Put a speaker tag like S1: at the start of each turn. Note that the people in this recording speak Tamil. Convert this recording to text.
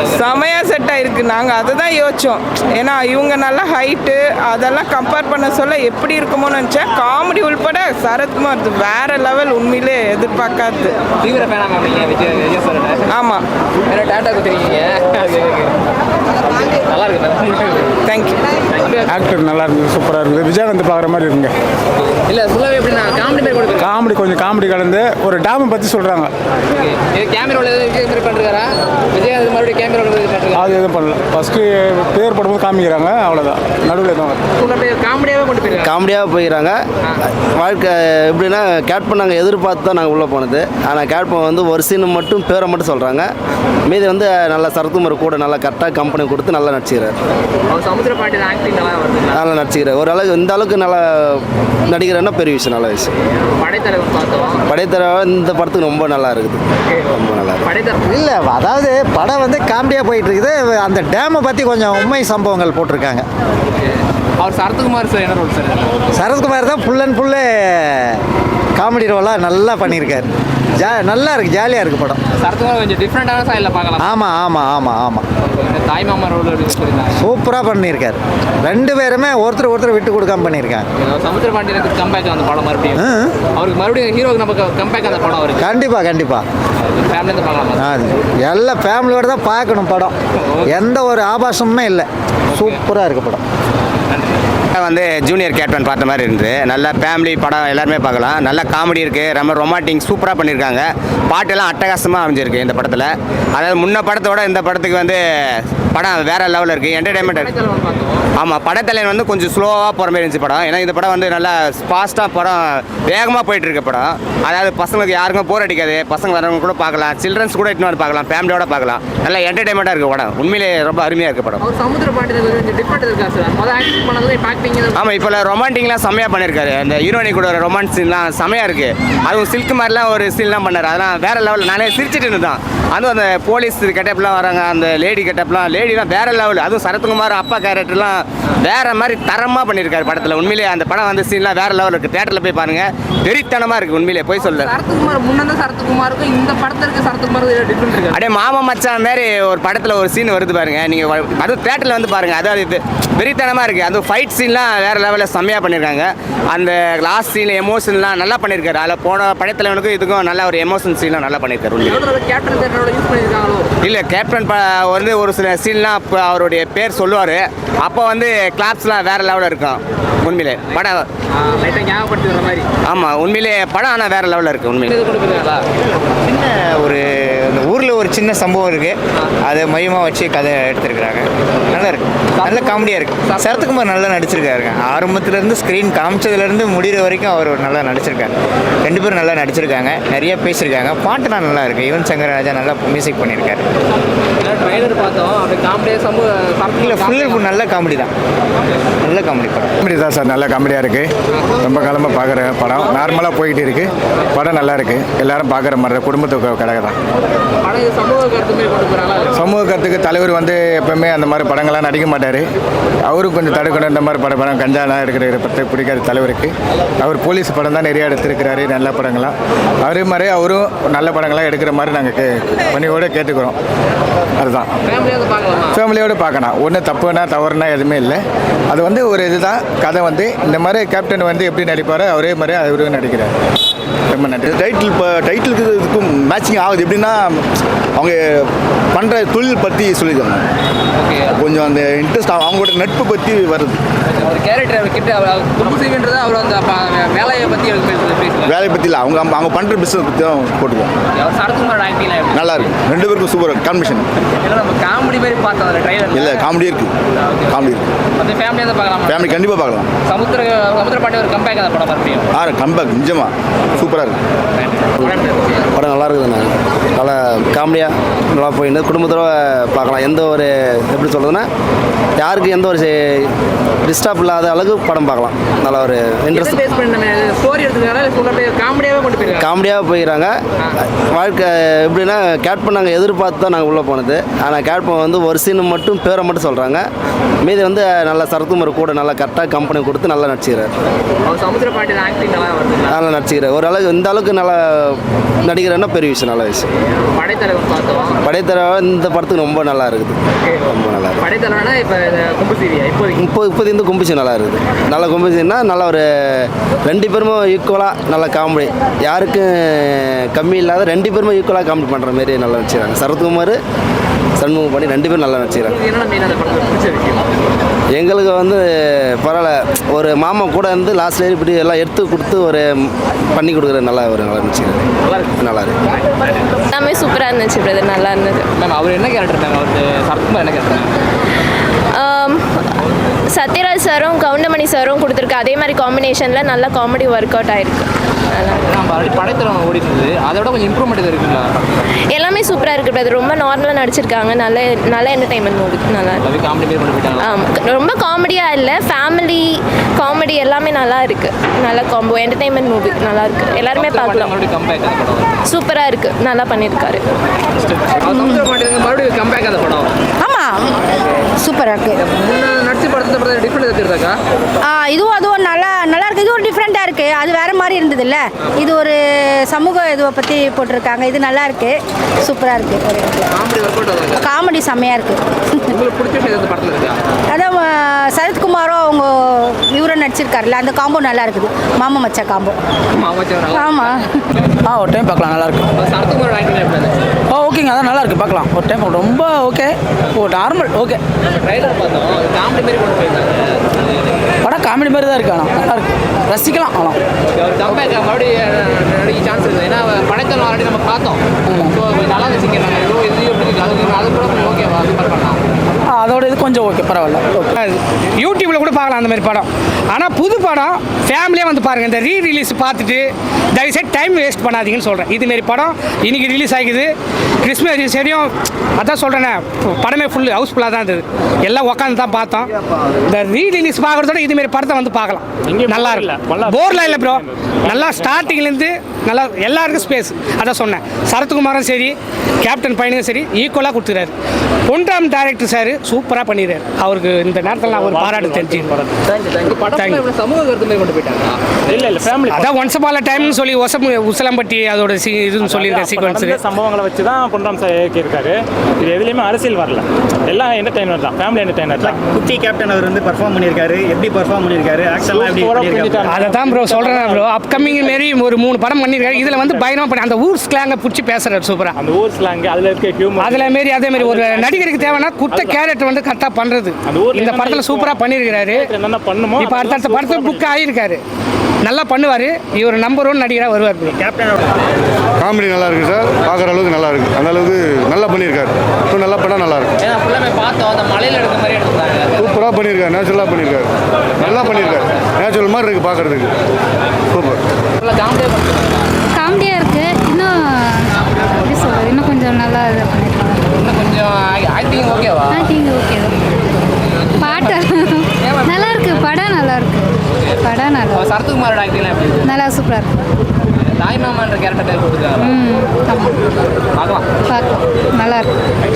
S1: செமையாக செட் ஆகிருக்கு. நாங்கள் அதை தான் யோசித்தோம். ஏன்னா இவங்க நல்லா ஹைட்டு அதெல்லாம் கம்பேர் பண்ண சொல்ல எப்படி இருக்குமோன்னு நினச்சேன். காமெடி உள்பட சரத்குமார் வேற லெவல், உண்மையிலே எதிர்பார்க்காது. ஆமாம்,
S2: நல்லா இருக்கு.
S1: தேங்க்யூ.
S3: ஆக்டர் நல்லா இருக்குது, சூப்பராக இருக்குது. விஜயகாந்த் பார்க்குற மாதிரி இருக்குங்க.
S2: இல்லை ஃபுல்லாகவே எப்படின்னா காமெடி பேர் கொடுக்குறேன்.
S3: காமெடி கொஞ்சம் காமெடி கலந்து ஒரு டேமை பற்றி சொல்கிறாங்க.
S2: கேமராவில் எதுவும் பண்ணுறாரா விஜயகாந்த் மறுபடியும் கேமராவில்
S3: அது எதுவும் பண்ணல. ஃபஸ்ட்டு பேர் போடும்போது காமிக்கிறாங்க, அவ்வளோதான். நடுவில் எதுவும்
S2: காமெடியாகவே கொண்டு போயிருக்காங்க.
S4: காமெடியாக போயிடறாங்க. வாழ்க்கை எப்படின்னா கேட்பன் நாங்கள் எதிர்பார்த்து தான் நாங்கள் உள்ளே போனது. ஆனால் கேட்பன் வந்து ஒரு சீனு மட்டும் பேரை மட்டும் சொல்கிறாங்க. மீதி வந்து நல்லா சரத்குமார் கூட நல்லா கரெக்டாக கம்பெனி கொடுத்து நல்லா நடிச்சுக்கிறார்.
S2: சமுத்திர பாண்டியன் ஆக்டிங்
S4: நல்லா நடிச்சுக்கிறார். ஓரளவுக்கு இந்த அளவுக்கு நல்லா நடிக்கிறேன்னா பெரிய விஷயம், நல்ல விஷயம்.
S2: படைத்தலைவர் பார்த்தோம்.
S4: படைத்தலைவர் இந்த படத்துக்கு ரொம்ப நல்லா இருக்குது, ரொம்ப நல்லா இருக்குது.
S5: இல்லை, அதாவது படம் வந்து காமெடியாக போயிட்டு இருக்குது. அந்த டேமை பற்றி கொஞ்சம் உண்மை சம்பவங்கள் போட்டிருக்காங்க.
S2: அவர் சரத்குமார் சார் என்ன ரோல் சார்?
S5: சரத்குமார் தான் ஃபுல் அண்ட் ஃபுல்லு காமெடி ரோலாக நல்லா பண்ணியிருக்காரு. நல்லா இருக்குது, ஜாலியாக இருக்குது படம்.
S2: சரத்குமார் கொஞ்சம் டிஃப்ரெண்டான ஸ்டைலில் பார்க்கலாம்.
S5: ஆமாம் ஆமாம் ஆமாம் ஆமாம்,
S2: தாய் மாமா ரோல்
S5: சூப்பராக பண்ணியிருக்காரு. ரெண்டு பேருமே ஒருத்தர் விட்டு கொடுக்காம பண்ணியிருக்காங்க.
S2: சமுத்திர பாண்டியனுக்கு கம்பேக் அந்த படம் மறுபடியும் அவருக்கு மறுபடியும் ஹீரோக்கு நமக்கு கம்பேக் அந்த படம் அவருக்கு
S5: கண்டிப்பாக
S2: ஃபேமிலியிலேருந்து பார்க்கலாம்.
S5: எல்லாம் ஃபேமிலியோட தான் பார்க்கணும் படம். எந்த ஒரு ஆபாசமுமே இல்லை, சூப்பராக இருக்குது படம்.
S6: வந்து ஜூனியர் கேப்டன் பார்த்த மாதிரி இருந்தது. நல்லா ஃபேமிலி படம் எல்லாருமே பார்க்கலாம். நல்லா காமெடி இருக்குது, ரொம்ப ரொமான்டிக் சூப்பராக பண்ணியிருக்காங்க. பாட்டெல்லாம் அட்டகாசமாக அமைஞ்சிருக்கு இந்த படத்தில். அதாவது முன்ன படத்தோட இந்த படத்துக்கு வந்து படம் வேறு லெவலில் இருக்குது, என்டர்டைன்மெண்ட். ஆமாம், படத்தலைவன் வந்து கொஞ்சம் ஸ்லோவாக போகிற மாதிரி இருந்துச்சு படம். ஏன்னா இந்த படம் வந்து நல்லா ஃபாஸ்ட்டாக படம் வேகமாக போயிட்டுருக்கு படம். அதாவது பசங்களுக்கு யாருக்கும் போர் அடிக்காது, பசங்க வரவங்க கூட பார்க்கலாம், சில்ட்ரன்ஸ் கூட இட்டு வந்து பார்க்கலாம், ஃபேமிலியோட பார்க்கலாம். நல்லா என்டர்டைன்மெண்ட்டாக இருக்குது படம். உண்மையிலே ரொம்ப அருமையாக இருக்குது படம்.
S2: சமுத்திர பாண்டியன் டிஃப்ரெண்ட் இருக்கா சார்? முதல் ஆக்டிங் பண்ணது
S6: ஆமாம், இப்போ ரொமான்டிக்லாம் செம்மையாக பண்ணியிருக்காரு. அந்த ஹீரோனி கூட ஒரு ரொமான்ஸ் சீன்லாம் செம்மையாக இருக்குது. அதுவும் சில்க் மாதிரிலாம் ஒரு சீன்லாம் பண்ணார். அதெல்லாம் வேறு லெவலில். நானே சிரிச்சிட்டு இருந்தேன். அதுவும் அந்த போலீஸ் கெட்டப்லாம் வராங்க, அந்த லேடி கெட்டப்லாம், லேடிலாம் வேறு லெவல். அதுவும் சரத்குமார் அப்பா கேரக்டர்லாம் வேறு மாதிரி தரமாக பண்ணியிருக்காரு படத்தில். உண்மையிலே அந்த படம் வந்து சீன்லாம் வேறு லெவல் இருக்குது. தேட்டரில் போய் பாருங்கள், வெறித்தனமாக இருக்குது. உண்மையிலே போய் சொல்ல
S2: சரத்குமார் முன்னே சரத்குமாருக்கும் இந்த படத்திற்கு சரத்குமார் டிஃப்ரெண்ட் இருக்குது.
S6: அப்படியே மாமா மச்சான் மாதிரி ஒரு படத்தில் ஒரு சீன் வருது பாருங்கள், நீங்கள் அதுவும் தேட்டரில் வந்து பாருங்கள். அதாவது இது வெறித்தனமாக இருக்குது. அதுவும் ஃபைட் சீன்லாம் வேறு லெவலில் செம்மையாக பண்ணியிருக்காங்க. அந்த லாஸ்ட் சீன் எமோஷன்லாம் நல்லா பண்ணியிருக்காரு. அதில் போன படத்தலைவனுக்கும் இதுக்கும் நல்ல ஒரு எமோஷன் சீன்லாம் நல்லா பண்ணியிருக்காரு. இல்லை, கேப்டன் வந்து ஒரு சில சீன்லாம் இப்போ அவருடைய பேர் சொல்லுவார். அப்போ வந்து கிளாப்ஸ்லாம் வேறு லெவலில் இருக்கும். உண்மையிலே படம்
S2: மாதிரி.
S6: ஆமாம், உண்மையிலே படம் ஆனால் வேறு லெவலில் இருக்குது. உண்மையிலே
S7: சின்ன ஒரு இந்த ஊரில் ஒரு சின்ன சம்பவம் இருக்குது, அதை மையமாக வச்சு கதை எடுத்துருக்குறாங்க. நல்லா இருக்குது, நல்ல காமெடியாக இருக்குது. சரத்குமார் நல்லா நடிச்சிருக்காருங்க. ஆரம்பத்துலேருந்து ஸ்க்ரீன் காமிச்சதுலேருந்து முடிகிற வரைக்கும் அவர் நல்லா நடிச்சிருக்காரு. ரெண்டு பேரும் நல்லா நடிச்சிருக்காங்க, நிறைய பேசியிருக்காங்க. பாட்டுலாம் நல்லா இருக்குது. யுவன் சங்கர் ராஜா நல்லா மியூசிக் பண்ணியிருக்காரு.
S2: ட்ரைலர் பார்த்தோம், அப்படி காமெடியாக
S7: இல்லை, ஃபுல் நல்ல காமெடி தான், நல்ல காமெடி படம்.
S3: காமெடி தான் சார், நல்ல காமெடியாக இருக்குது. ரொம்ப காலமாக பார்க்குற படம், நார்மலாக போய்கிட்டு இருக்குது. படம் நல்லா இருக்குது, எல்லாரும் பார்க்குற மாதிரி குடும்பத்துக்கு கடை தான். சமூக கருத்துக்கு தலைவர் வந்து எப்பவுமே அந்த மாதிரி படங்கள்லாம் நடிக்க மாட்டார். அவரும் கொஞ்சம் தடுக்கணும். இந்த மாதிரி படம் கஞ்சாலாம் எடுக்கிற பற்றி பிடிக்காத தலைவருக்கு. அவர் போலீஸ் படம் தான் நிறையா எடுத்துருக்கிறாரு, நல்ல படங்களாம். அதே மாதிரி அவரும் நல்ல படங்களாக எடுக்கிற மாதிரி நாங்கள் பணியோடு கேட்டுக்கிறோம். அதுதான் ஃபேமிலியோடு பார்க்கணும். ஒன்றும் தப்புனா தவறுனா எதுவுமே இல்லை. அது வந்து ஒரு இதுதான் கதை. வந்து இந்த மாதிரி கேப்டன் வந்து எப்படி நடிப்பாரோ அவரே மாதிரி அவரும் நடிக்கிறார். ரொம்ப நன்றி.
S8: டைட்டிலுக்கு இதுக்கும் மேட்சிங் ஆகுது. எப்படின்னா அவங்க பண்ணுற தொழில் பற்றி சொல்லியிருக்காங்க. கொஞ்சம் அந்த இன்ட்ரெஸ்ட் அவங்களோட நட்பு பற்றி வருது.
S2: ஒரு கேரக்டர் கிட்ட அவர் அந்த வேலையை பற்றி
S8: வேலையை பற்றி இல்லை, அவங்க பண்ணுற பிஸ்னஸ் பற்றி தான் போட்டுக்குவோம்.
S2: சரத்குமார் ஆக்டிங்
S8: நல்லா இருக்கு. ரெண்டு பேருக்கும் சூப்பர் காம்பினேஷன்.
S2: நம்ம காமெடி மாதிரி பார்த்தோம் அந்த ட்ரைலர்.
S8: இல்லை, காமெடி இருக்குது, காமெடி இருக்குது.
S2: அந்த ஃபேமிலியாக பார்க்கலாம்.
S8: ஃபேமிலி கண்டிப்பாக பார்க்கலாம்.
S2: சமுத்திர பாண்டியன் ஒரு கம்பேக் அந்த படம் மறுபடியும்
S8: கம்பேக் நிஜமாக சூப்பராக இருக்குது.
S4: படம் நல்லா இருக்குதுண்ணா. நல்லா காமெடியாக நல்லா போயிட்டு குடும்பத்தோட பார்க்கலாம். எந்த ஒரு எப்படி சொல்கிறதுன்னா யாருக்கு எந்த ஒரு டிஸ்டர்ப் இல்லாத அளவுக்கு படம் பார்க்கலாம். நல்லா ஒரு இன்ட்ரெஸ்ட் காமெடியாக போயிடறாங்க. வாழ்க்கை எப்படின்னா கேட்பன் நாங்கள் எதிர்பார்த்து தான் நாங்கள் உள்ளே போனது. ஆனால் கேட்பன் வந்து ஒரு சீனு மட்டும் பேரை மட்டும் சொல்கிறாங்க. மீதி வந்து நல்லா சரத்குமார் கூட நல்லா கரெக்டாக கம்பெனி கொடுத்து நல்லா நடிச்சுக்கிறார். நல்லா நடிச்சுக்கிறார். ஓரளவுக்கு இந்த அளவுக்கு நல்லா நடிக்கிறேன்னா பெரிய விஷயம், நல்ல விஷயம். படைத்தலைவா இந்த படத்துக்கு ரொம்ப நல்லா இருக்குது. ரொம்ப நல்லா இருக்குது.
S2: படைத்தலைவனா இப்போ கும்பு சீரியா இப்போதைக்கு
S4: இப்போது இந்த கும்பிச்சு நல்லா இருக்குது. நல்ல கும்பிச்சுன்னா நல்ல ஒரு 2 பேருமே ஈக்குவலாக நல்ல காமெடி, யாருக்கும் கம்மி இல்லாத 2 பேருமே ஈக்குவலாக காமெடி பண்ணுற மாதிரி நல்லா நடிச்சுக்கிறாங்க. சரத்குமார் சண்முகம் பண்ணி 2 பேரும் நல்லா நடிச்சுக்கிறாங்க.
S2: என்னென்ன மெயினாக அந்த படத்தில் பிடிச்ச விஷயம்?
S4: எங்களுக்கு வந்து பரவாயில்ல, ஒரு மாமா கூட இருந்து லாஸ்ட் வரையும் இப்படி எல்லாம் எடுத்து கொடுத்து ஒரு பண்ணி கொடுக்குற நல்லா நடிச்சுக்கிறாங்க. நல்லா இருக்கு.
S9: எல்லாமே சூப்பராக இருந்துச்சு பிரதர், நல்லா இருந்தது.
S2: மேம் அவர் என்ன கேரக்டர் மேம்? அவர் சரத்குமார் என்ன கேரக்டர்?
S9: சத்யராஜ் சாரும் கவுண்டமணி சாரும் கொடுத்துருக்கு அதே மாதிரி காம்பினேஷனில் நல்ல காமெடி ஒர்க் அவுட் ஆயிருக்கு.
S2: நம்ம ஆல்ரெடி படைத்தலைவன் ஓடிட்டு இருந்தது, அதோட கொஞ்சம் இம்ப்ரூவ்மெண்ட் எதுவும் இருக்குங்களா?
S9: எல்லாமே சூப்பராக இருக்குது பிரதர், ரொம்ப நார்மலாக நடிச்சிருக்காங்க. நல்ல என்டர்டைன்மெண்ட் மூவி, நல்லா இருக்கு.
S2: காமெடி மாரி கொண்டு போயிட்டாங்க.
S9: ஆமாம், ரொம்ப காமெடியாக இல்லை, ஃபேமிலி காமெடி எல்லாமே நல்லா இருக்குது. நல்ல காம்போ என்டர்டைன்மெண்ட் மூவி, நல்லா இருக்குது, எல்லாருமே பார்க்கலாம்.
S2: மறுபடியும் கம்பேக் அந்த படம்
S9: சூப்பராக இருக்குது, நல்லா பண்ணியிருக்காரு.
S2: மறுபடியும் கம்பேக் அந்த படம்.
S10: ஆமாம், சூப்பராக இருக்குது.
S2: முன்ன நடிச்சு படத்தை டிஃப்ரெண்ட் எடுத்துருக்காக்கா?
S10: அதுவும் நல்லா இருக்குது. இது ஒரு டிஃப்ரெண்ட்டாக இருக்குது, அது வேறு மாதிரி இருந்ததுல்ல. இது ஒரு சமூக இதுவை பற்றி போட்டிருக்காங்க. இது நல்லா இருக்குது, சூப்பராக இருக்குது.
S2: காமெடி ஒர்க் அவுட் ஆகுது.
S10: காமெடி செம்மையாக இருக்குது.
S2: உங்களுக்கு பிடிச்ச விஷயம் இந்த படத்தில் இருக்கா?
S10: அதான் சரத்குமாரும் அவங்க இவரும் நடிச்சிருக்காருல்ல, அந்த காம்போ நல்லா இருக்குது. மாமா மச்சா காம்போ. ஆமாம்.
S11: ஒரு டைம் பார்க்கலாம், நல்லா இருக்கு.
S2: சரத்குமாரோட ஆக்டிங் எப்படி இருந்துச்சு?
S11: ஓகேங்க, அதான் நல்லா இருக்கு, பார்க்கலாம் ஒரு டைம். ரொம்ப ஓகே, நார்மல் ஓகே.
S2: ட்ரைலர் பார்த்தோம், காமெடி மாரி கொண்டு போயிருந்தாங்க.
S11: படம் காமெடி மாதிரி தான் இருக்கு, ஆனால் நல்லா இருக்கு, ரசிக்கலாம். ஆனால்
S2: ஒரு கம்பேக் மறுபடியும் நடிக்க சான்ஸ் இருக்குது. ஏன்னா படத்தில் ஆல்ரெடி நம்ம பார்த்தோம். ஸோ நல்லா வச்சுக்கிறாங்க. இது எப்படி இருக்கு? அது கூட கொஞ்சம் ஓகேவா கம்பேர் பண்ணலாம்?
S11: அதோட இது கொஞ்சம் ஓகே, பரவாயில்ல.
S12: யூடியூப்பில் கூட பார்க்கலாம் அந்த மாதிரி படம். ஆனால் புது படம் ஃபேமிலியாக வந்து பாருங்கள். இந்த ரீரிலீஸ் பார்த்துட்டு தயவுசெய்து டைம் வேஸ்ட் பண்ணாதீங்கன்னு சொல்கிறேன். இதுமாரி படம் இன்றைக்கி ரிலீஸ் ஆகிக்குது. கிறிஸ்மஸ் சரியும் அதான் சொல்கிறேனே, படமே ஃபுல் ஹவுஸ்ஃபுல்லாக தான் இருந்தது. எல்லாம் உட்காந்து தான் பார்த்தோம். இந்த ரீரிலீஸ் பார்க்குறதோட இதுமாரி படத்தை வந்து பார்க்கலாம். நல்லா இருக்கு, போர்லாம் இல்லை ப்ரோ. நல்லா ஸ்டார்டிங்லேருந்து நல்லா எல்லாருக்கும் ஸ்பேஸ். அதான் சொன்னேன், சரத்குமாரும் சரி கேப்டன் பையனும் சரி ஈக்குவலாக கொடுத்துறாரு. பொன்ராம் டைரக்டர் சார் சூப்பராக பண்ணிடுறாரு. அவருக்கு இந்த நேரத்தில் நான் ஒரு பாராட்டு தெரிஞ்சுக்கிறேன்.
S2: சமூக கருத்து மாதிரி கொண்டு போயிட்டாங்க.
S12: இல்லை ஃபேமிலி அதான் ஒன்ஸ் அப்பால் டைம்னு சொல்லி உசலம்பட்டி அதோட இதுன்னு சொல்லியிருக்கேன் சீக்வன்ஸ்.
S13: சம்பவங்களை வச்சு தான் பொன்ராம் சார் இயக்கியிருக்காரு. இது எதுலேயுமே அரசியல் வரல, எல்லாம் என்டர்டைன்மெண்ட் தான், ஃபேமிலி என்டர்டைன்மெண்ட் தான்.
S5: குட்டி கேப்டன் அவர் வந்து பர்ஃபார்ம் பண்ணியிருக்காரு. எப்படி பர்ஃபார்ம் பண்ணியிருக்காரு? ஆக்ஷன்லாம் எப்படி?
S12: அதை தான் ப்ரோ சொல்கிறேன் ப்ரோ. அப்கமிங் மாரி ஒரு 3 படம் பண்ணியிருக்காரு. இதில் வந்து பயணமாக பண்ணி அந்த ஊர் ஸ்லாங்கை பிடிச்சி பேசுகிறார் சூப்பராக.
S13: அந்த ஊர் ஸ்லாங் அதில் இருக்க ஹியூமர்,
S12: அதில் மாரி அதே மாதிரி ஒரு நடிகருக்கு தேவைன்னா குத்த கேரக்டர் வந்து கரெக்டாக பண்ணுறது இந்த படத்தில் சூப்பராக பண்ணியிருக்கிறாரு.
S13: என்னென்ன பண்ணுமோ
S12: இப்போ அடுத்த படத்தில் புக் ஆகியிருக்காரு, நல்லா பண்ணுவார். இவர் நம்பர் 1 நடிகராக வருவார்.
S13: கேப்டனோட
S8: காமெடி நல்லா இருக்கு சார், பார்க்குற அளவுக்கு நல்லா இருக்கு. அந்த அளவுக்கு நல்லா பண்ணியிருக்காரு. இப்போ நல்லா பண்ணால் நல்லா இருக்கும்.
S2: ஏன்னா ஃபுல்லாமே பார்த்தோம், அந்த மலையில் எடுத்த மாதிரி எடுத்துருந்தாங்க.
S8: சூப்பராக பண்ணியிருக்காரு, நேச்சுரலாக பண்ணியிருக்காரு, நல்லா பண்ணியிருக்காரு. நேச்சுரல் மாதிரி இருக்குது பார்க்குறதுக்கு. சூப்பர்.
S9: காமெடியாக இருக்குது. இன்னும் எப்படி சொல்கிறது, இன்னும் கொஞ்சம் நல்லா இது பண்ணியிருக்காங்க.
S2: இன்னும் கொஞ்சம் ஆக்டிங் ஓகேவா?
S9: ஆக்டிங் ஓகே தான். பாட்டு நல்லா இருக்கு, படம் நல்லா இருக்கு. படம் நல்லா
S2: சரத்குமாரோட ஆக்டிங்லாம் எப்படி?
S9: நல்லா சூப்பராக இருக்கு.
S2: தாய்மாமான்ற கேரக்டர் கொடுத்துருக்காங்க.
S9: ஆமாம்,
S2: பார்க்கலாம்.
S9: பார்க்கலாம், நல்லா இருக்கு.